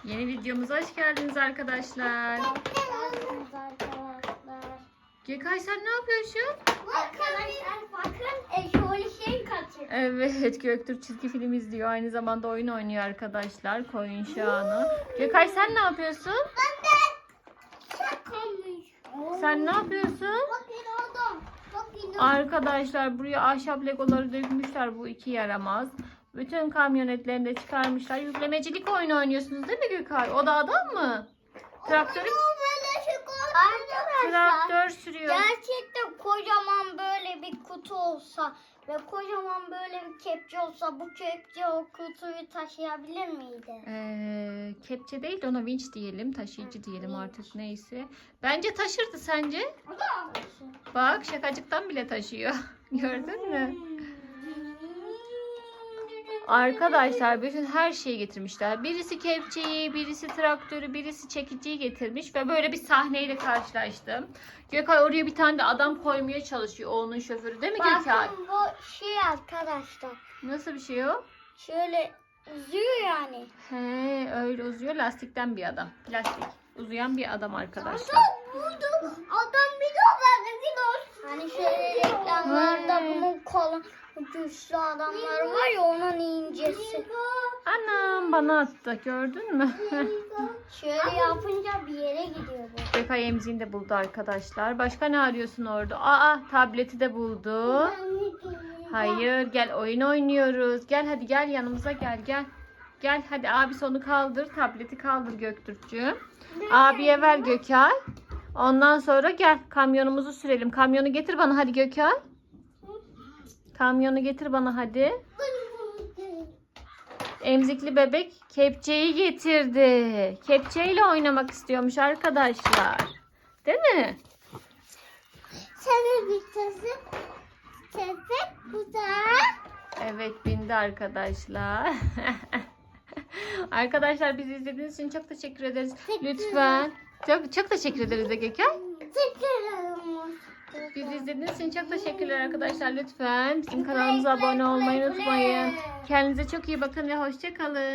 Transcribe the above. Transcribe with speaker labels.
Speaker 1: Yeni videomuza hoş geldiniz arkadaşlar. Gökay sen ne yapıyorsun?
Speaker 2: Arkadaşlar bakın şöyle şey kaçır.
Speaker 1: Evet, Göktürk çizgi film izliyor. Aynı zamanda oyun oynuyor arkadaşlar. Koyun şahını. Gökay sen ne yapıyorsun?
Speaker 2: Ben de şakamış.
Speaker 1: Sen ne yapıyorsun?
Speaker 2: Bakın oldum. Bakın
Speaker 1: Arkadaşlar buraya ahşap legoları dökmüşler, bu iki yaramaz. Bütün kamyonetlerini de çıkarmışlar. Yüklemecilik oyunu oynuyorsunuz değil mi Gökay? O da adam mı? Traktörü,
Speaker 2: Arkadaşlar
Speaker 1: traktör sürüyor.
Speaker 2: gerçekten kocaman böyle bir kutu olsa ve kocaman böyle bir kepçe olsa bu kepçe o kutuyu taşıyabilir miydi?
Speaker 1: Kepçe değil de ona vinç diyelim. Taşıyıcı diyelim artık, neyse. Bence taşırdı, sence?
Speaker 2: O da almışsın.
Speaker 1: Bak şakacıktan bile taşıyor. Gördün mü? Arkadaşlar bütün her şeyi getirmişler. Birisi kepçeyi, birisi traktörü, birisi çekiciyi getirmiş ve böyle bir sahneyle karşılaştım. Gökay oraya bir tane de adam koymaya çalışıyor. O onun şoförü değil mi Gökay?
Speaker 2: Bakın bu şey arkadaşlar.
Speaker 1: Nasıl bir şey o?
Speaker 2: Şöyle uzuyor yani.
Speaker 1: He, öyle uzuyor. Lastikten bir adam. Plastik. Uzayan bir adam arkadaşlar.
Speaker 2: Buldum. Adam bir de bakın. Hani şöyle reklamlarda bunun kolu güçlü adamlar var ya onun incesi.
Speaker 1: Anam bana attı. Gördün mü?
Speaker 2: Şöyle yapınca bir yere gidiyor bu.
Speaker 1: Gökay emziğini de buldu arkadaşlar. Başka ne arıyorsun orada? Aa, tableti de buldu. Hayır, gel oyun oynuyoruz. Gel hadi, gel yanımıza, gel gel. Gel hadi, abi onu kaldır. Tableti kaldır Göktürk'cüğüm. Abiye ver Gökay. Ondan sonra gel kamyonumuzu sürelim. Kamyonu getir bana hadi Gökay. Kamyonu getir bana hadi. Emzikli bebek kepçeyi getirdi. Kepçeyle oynamak istiyormuş arkadaşlar. Değil mi?
Speaker 2: Sana bir sesi bu da.
Speaker 1: Evet, bindi arkadaşlar. Arkadaşlar bizi izlediğiniz için çok teşekkür ederiz. Lütfen. Çok teşekkür ederiz de Gökay. Bizi izlediğiniz için çok teşekkürler arkadaşlar. Lütfen bizim kanalımıza abone olmayı unutmayın. Kendinize çok iyi bakın ve hoşça kalın.